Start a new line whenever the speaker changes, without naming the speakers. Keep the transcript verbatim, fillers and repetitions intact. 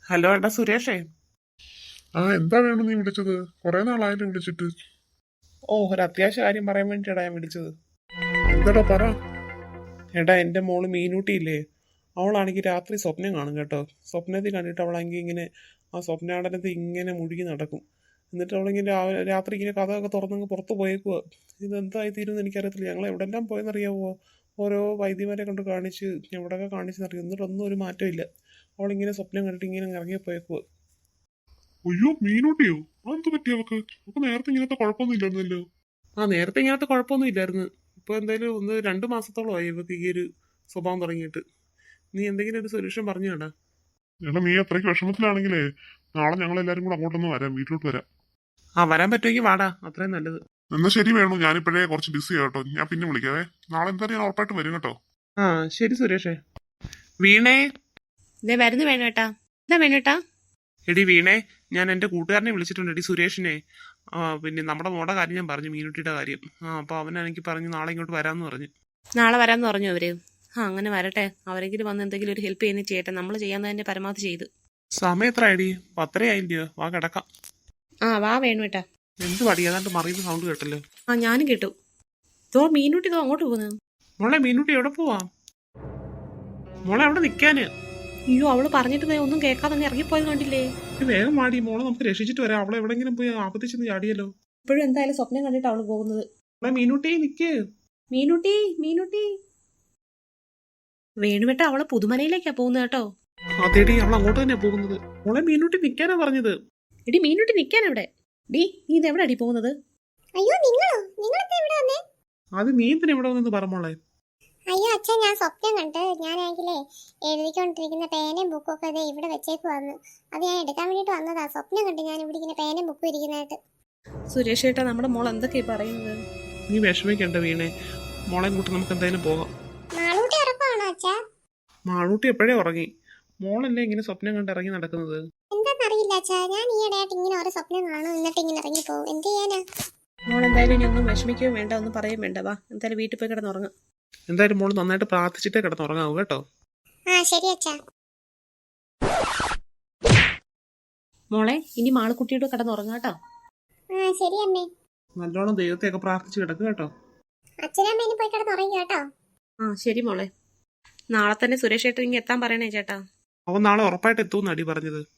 Hello എടാ സുരേഷേ.
ആ എന്താ വേണം നീ വിളിച്ചത്? കുറെ നാളായാലും വിളിച്ചിട്ട്.
ഓ ഒരു അത്യാവശ്യ കാര്യം പറയാൻ വേണ്ടിയിട്ടാ ഞാൻ വിളിച്ചത്.
എന്താടാ പറ.
എടാ എൻ്റെ മോള് മീനൂട്ടിയില്ലേ, അവളാണെങ്കിൽ രാത്രി സ്വപ്നം കാണും കേട്ടോ. സ്വപ്നത്തിൽ കണ്ടിട്ട് അവളാണെങ്കിൽ ഇങ്ങനെ ആ സ്വപ്നാടനത്തിൽ ഇങ്ങനെ മുഴുകി നടക്കും. എന്നിട്ട് അവളിങ്ങനെ രാ- രാത്രി ഇങ്ങനെ കഥയൊക്കെ തുറന്നങ്ങ് പുറത്ത് പോയേക്കുക. ഇതെന്തായി തീരുമെന്ന് എനിക്കറിയത്തില്ല. ഞങ്ങൾ എവിടെല്ലാം പോയെന്നറിയാവോ? ഓരോ വൈദ്യമാരെ കൊണ്ട് കാണിച്ച് എവിടെയൊക്കെ കാണിച്ചെന്നറിയാം, എന്നിട്ടൊന്നും ഒരു മാറ്റമില്ല. അവളിങ്ങനെ സ്വപ്നം കണ്ടിട്ട് ഇങ്ങനെ ഇറങ്ങി പോയേക്കുക.
അയ്യോ, മീനൂട്ടിയോ? അതെന്ത് പറ്റി അവക്ക്? അവക്ക് നേരത്തെ ഇങ്ങനത്തെ കുഴപ്പമൊന്നും ഇല്ലായിരുന്നല്ലോ.
ആ നേരത്തെ ഇങ്ങനത്തെ കുഴപ്പമൊന്നും ഇല്ലായിരുന്നു. ഇപ്പോൾ എന്തായാലും ഒന്ന് രണ്ട് മാസത്തോളമായി ഇവർക്ക് ഈ ഒരു സ്വഭാവം തുടങ്ങിയിട്ട്. നീ എന്തെങ്കിലും ഒരു സൊല്യൂഷൻ പറഞ്ഞു കേടാ.
എടാ, നീ അത്രയ്ക്ക് വിഷമത്തിലാണെങ്കിലേ നാളെ ഞങ്ങൾ എല്ലാരും കൂടെ അങ്ങോട്ടൊന്ന് വരാം, വീട്ടിലോട്ട് വരാം.
ആ വരാൻ പറ്റുമെങ്കിൽ വാടാ, അത്രയും നല്ലത്.
എന്നാ ശരി വേണു, ഞാനിപ്പോഴേ കുറച്ച് ബിസി ആട്ടോ. ഞാൻ പിന്നെ വിളിക്കാവേ. നാളെ എന്തായാലും ഞാൻ ഉറപ്പായിട്ട് വരും കേട്ടോ.
ആ ശരി സുരേഷേ. വീണേ.
ഇതേ വരുന്നു വേണേട്ടാ. എന്താ വേണേട്ടാ?
എടി വീണേ, ഞാൻ എൻ്റെ കൂട്ടുകാരനെ വിളിച്ചിട്ടുണ്ട് എടി, സുരേഷിനെ. ആ പിന്നെ നമ്മുടെ മോടെ കാര്യം ഞാൻ പറഞ്ഞു, മീനുട്ടിയുടെ കാര്യം. ആ അപ്പോൾ അവനെനിക്ക് പറഞ്ഞു നാളെ ഇങ്ങോട്ട് വരാമെന്ന് പറഞ്ഞു.
നാളെ വരാമെന്ന് പറഞ്ഞു അവര്. ആ അങ്ങനെ വരട്ടെ. അവരെങ്കിലും വന്ന് എന്തെങ്കിലും ഒരു ഹെൽപ്പ് ചെയ്യുന്ന ചെയ്യട്ടെ. നമ്മൾ ചെയ്യാവുന്നതിന്റെ പരമാവധി ചെയ്തു.
സമയം എത്ര ആയിടി? പത്തരയായില്ലയോ? വാ കിടക്കാം.
ആ വാ വേണുവേട്ടാ.
എന്ത് പടി ഏതാണ്ട് മറിയുന്ന സൗണ്ട് കേട്ടല്ലോ.
ആ ഞാനും കേട്ടു. ഇതോ മീനൂട്ടി ഇതോ അങ്ങോട്ട് പോകുന്നു.
മോളെ മീനുട്ടി എവിടെ പോവാ? മോളെ അവിടെ നിൽക്കാന്.
അയ്യോ അവള് പറഞ്ഞിട്ട് ദേ ഒന്നും കേൾക്കാതെ അങ്ങ് ഇറങ്ങിപ്പോയത് കണ്ടില്ലേ?
ഒരു വേഗം മാടി, മോളെ നമുക്ക് രക്ഷിച്ചിട്ട് വരാം. അവളെ എവിടെങ്കിലും പോയി ആപത്തിച്ചെന്ന് ചാടിയല്ലോ.
ഇപ്പോഴും എന്തായാലും സ്വപ്നം കണ്ടിട്ട് അവള് പോകുന്നത്.
മോളെ മീനുട്ടി നിക്ക്.
മീനൂട്ടി മീനൂട്ടി. വേണുവേട്ട അവള് പുതുമനയിലേക്കാ പോകുന്നത് കേട്ടോ.
അതേടി, അവൾ അങ്ങോട്ട് തന്നെയാ പോകുന്നത്. മോളെ മീനുട്ടി നിക്കാനാ പറഞ്ഞത്.
എടി മീനൂട്ടി നിക്കാൻ അവിടെ. ഡി നീ ഇത് എവിടെ അടി പോകുന്നത്?
അയ്യോ നിങ്ങളോ? നിങ്ങളൊക്കെ ഇവിടെ വന്നേ?
അത് നീ എന്തിനാ ഇവിടെ വന്നെന്ന് പറ മോളെ.
അയ്യോ അച്ഛൻ, ഞാൻ സ്വപ്നം കണ്ട് ഞാനാണെങ്കിലേ എഴുതിക്കൊണ്ടിരിക്കുന്ന പേനയും ബുക്കും ഒക്കെ ഇതേ ഇവിടെ വെച്ചേക്ക് വന്നു. അത് ഞാൻ എടുക്കാൻ വേണ്ടിട്ട് വന്നതാ. സ്വപ്നം കണ്ട് ഞാൻ ഇവിടെ ഇങ്ങനെ പേനയും ബുക്കും ഇരിക്കുന്നതായിട്ട്.
സുരേഷ് ഏട്ടാ, നമ്മുടെ മോൾ എന്തൊക്കെയാ പറയുന്നത്?
നീ വിഷമിക്കണ്ട വീണേ, മോളെ കൂട്ടി നമുക്ക് എന്തായാലും പോകാം.
നാളൂട്ടി ഉറപ്പാണോ അച്ഛാ?
മാളൂട്ടി എപ്പോഴേ ഉറങ്ങി. മോളല്ലേ ഇങ്ങനെ സ്വപ്നം കണ്ട് ഇറങ്ങി നടക്കുന്നത്.
എന്താന്നറിയില്ല അച്ഛാ, ഞാൻ ഈയിടെയായിട്ട് ഇങ്ങനെ ഓരോ സ്വപ്നം കാണും, എന്നിട്ട് ഇങ്ങനെ ഇറങ്ങി പോകും. എന്ത് ചെയ്യാനാ?
മോൾ എന്തായാലും ഇനി ഒന്നും വിഷമിക്കുകയും വേണ്ട, ഒന്നും പറയും വേണ്ട. വാ എന്തായാലും വീട്ടിൽ പോയി കിടന്നുറങ്ങാം.
എന്തായാലും മോള് നന്നായിട്ട് പ്രാർത്ഥിച്ചിട്ടേ കിടന്നുറങ്ങാവൂ കേട്ടോ.
ആ ശരി അച്ഛാ.
മോളെ ഇനി മാളുക്കുട്ടിയോട് കിടന്നുറങ്ങാട്ടോ.
ആ ശരി അമ്മേ.
നല്ലോണം ദൈവത്തെയൊക്കെ പ്രാർത്ഥിച്ച് കിടക്കുക കേട്ടോ.
അച്ഛനമ്മേനെ പോയി കിടന്നുറങ്ങി കേട്ടോ.
ആ ശരി മോളെ. നാളെ തന്നെ സുരേഷ് ഏട്ടൻ ഇങ്ങ് എത്താൻ പറയണേ ചേട്ടാ.
അവൻ നാളെ ഉറപ്പായിട്ട് എത്തുമെന്ന് അടി പറഞ്ഞത്.